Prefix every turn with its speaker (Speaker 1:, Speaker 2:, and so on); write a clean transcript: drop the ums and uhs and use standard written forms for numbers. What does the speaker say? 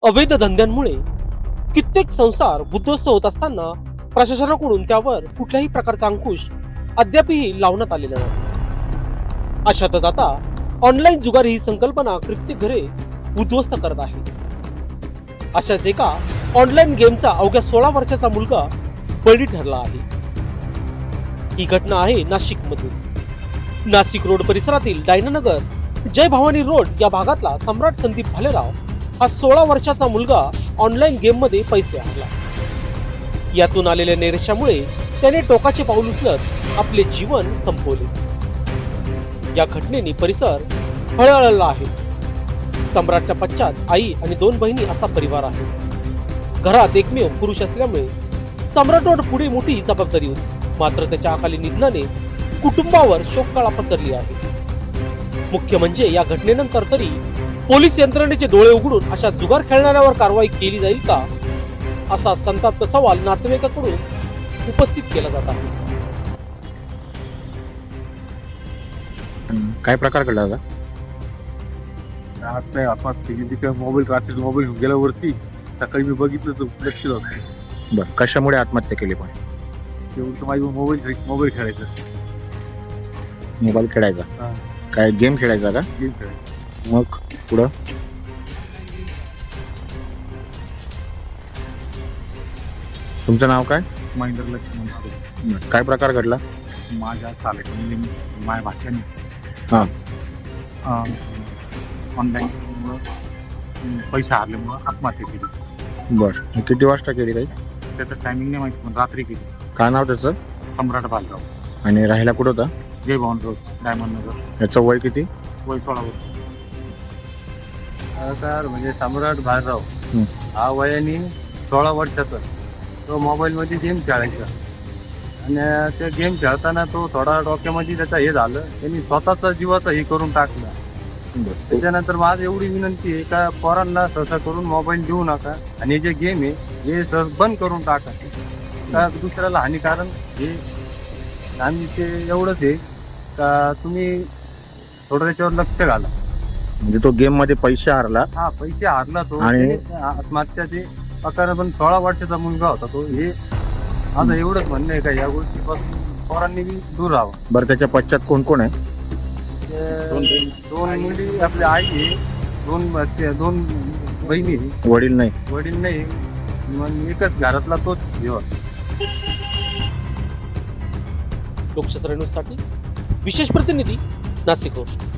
Speaker 1: अवैध धंद्यांमुळे कित्येक संसार उद्ध्वस्त होत असताना प्रशासनाकडून त्यावर कुठल्याही प्रकारचा अंकुश अद्यापही लावण्यात आलेला नाही. अशातच आता ऑनलाईन जुगार ही संकल्पना कित्येक घरे उद्ध्वस्त करत आहे. अशाच एका ऑनलाईन गेमचा अवघ्या 16 वर्षाचा मुलगा बळी ठरला आहे. ही घटना आहे नाशिक मधून. नाशिक रोड परिसरातील डायनानगर जय भवानी रोड या भागातला सम्राट संदीप भालेराव हा 16 वर्षाचा मुलगा ऑनलाईन गेम मध्ये पैसे हरला. यातून आलेल्या नैराश्यामुळे त्याने टोकाचे पाऊल उचलत आपले जीवन संपवले. या घटनेने परिसर हळहळला आहे. सम्राटच्या पश्चात आई आणि 2 बहिणी असा परिवार आहे. घरात एकमेव पुरुष असल्यामुळे सम्राटवर पुढे मोठी जबाबदारी होती. मात्र त्याच्या अकाली निधनाने कुटुंबावर शोककळा पसरली आहे. मुख्य म्हणजे या घटनेनंतर तरी पोलीस यंत्रणेचे डोळे उघडून अशा जुगार खेळणाऱ्यावर कारवाई केली जाईल का, असा संतप्त सवाल नातेवाईकांकडून उपस्थित केला जात आहे.
Speaker 2: काय प्रकार घडला होता?
Speaker 3: नाही आत्महत्या मोबाईल घेऊन गेल्यावरती सकाळी मी बघितलं तर लक्ष होतं.
Speaker 2: बरं, कशामुळे आत्महत्या केली? पण
Speaker 3: तेवढं तर माझी मोबाईल खेळायचा.
Speaker 2: मोबाईल खेळायचा?
Speaker 3: हा.
Speaker 2: काय गेम खेळायचा का?
Speaker 3: गेम खेळायचा.
Speaker 2: मग पुढं तुमचं नाव काय?
Speaker 3: महेंद्र लक्ष्मण सुरे.
Speaker 2: बरं, काय प्रकार घडला?
Speaker 3: माझ्या म्हणजे माझ्या भाच्याने
Speaker 2: हा.
Speaker 3: ऑनलाईन पैसे हारल्यामुळं आत्महत्या केली.
Speaker 2: बरं, किती वाजता केली काही?
Speaker 3: त्याचं टायमिंग नाही माहिती, पण रात्री केली.
Speaker 2: काय नाव त्याचं?
Speaker 3: सम्राट भालेराव.
Speaker 2: आणि राहायला कुठं होता?
Speaker 3: Jai Bhavani road diamond Nagar.
Speaker 2: याचं वय किती?
Speaker 3: वय 16 वर्ष. सर म्हणजे सम्राट भालेराव हा वयाने 16 वर्षाचा तो मोबाईलमध्ये गेम खेळायचा. आणि ते गेम खेळताना तो थोडा डोक्यामध्ये त्याचा हे झालं, त्यांनी स्वतःचा जीवाचा हे करून टाकला. त्याच्यानंतर माझी एवढी विनंती आहे का पोरांना सहसा करून मोबाईल देऊ नका आणि जे गेम आहे हे सहज बंद करून टाका. का दुसऱ्याला हानिकारक हे आम्ही ते एवढंच आहे का तुम्ही थोडं त्याच्यावर लक्ष घाला.
Speaker 2: म्हणजे तो गेम मध्ये पैसे हारला?
Speaker 3: हा, पैसे हारला तो
Speaker 2: आणि
Speaker 3: आत्महत्याचे प्रकार. पण 16 वर्षाचा मुलगा होता तो. हे माझं एवढंच म्हणणं आहे का या गोष्टीपासून पोरांनी बी दूर राहावं.
Speaker 2: बरं, त्याच्या पश्चात कोण कोण आहे?
Speaker 3: दोन मुली आपली आई आहे, दोन बहिणी आहे.
Speaker 2: वडील नाही?
Speaker 3: वडील नाही, मग एकच घरातला तोच जीव.
Speaker 1: लोकशास्त्र न्यूज साठी विशेष प्रतिनिधी नाशिक रोड.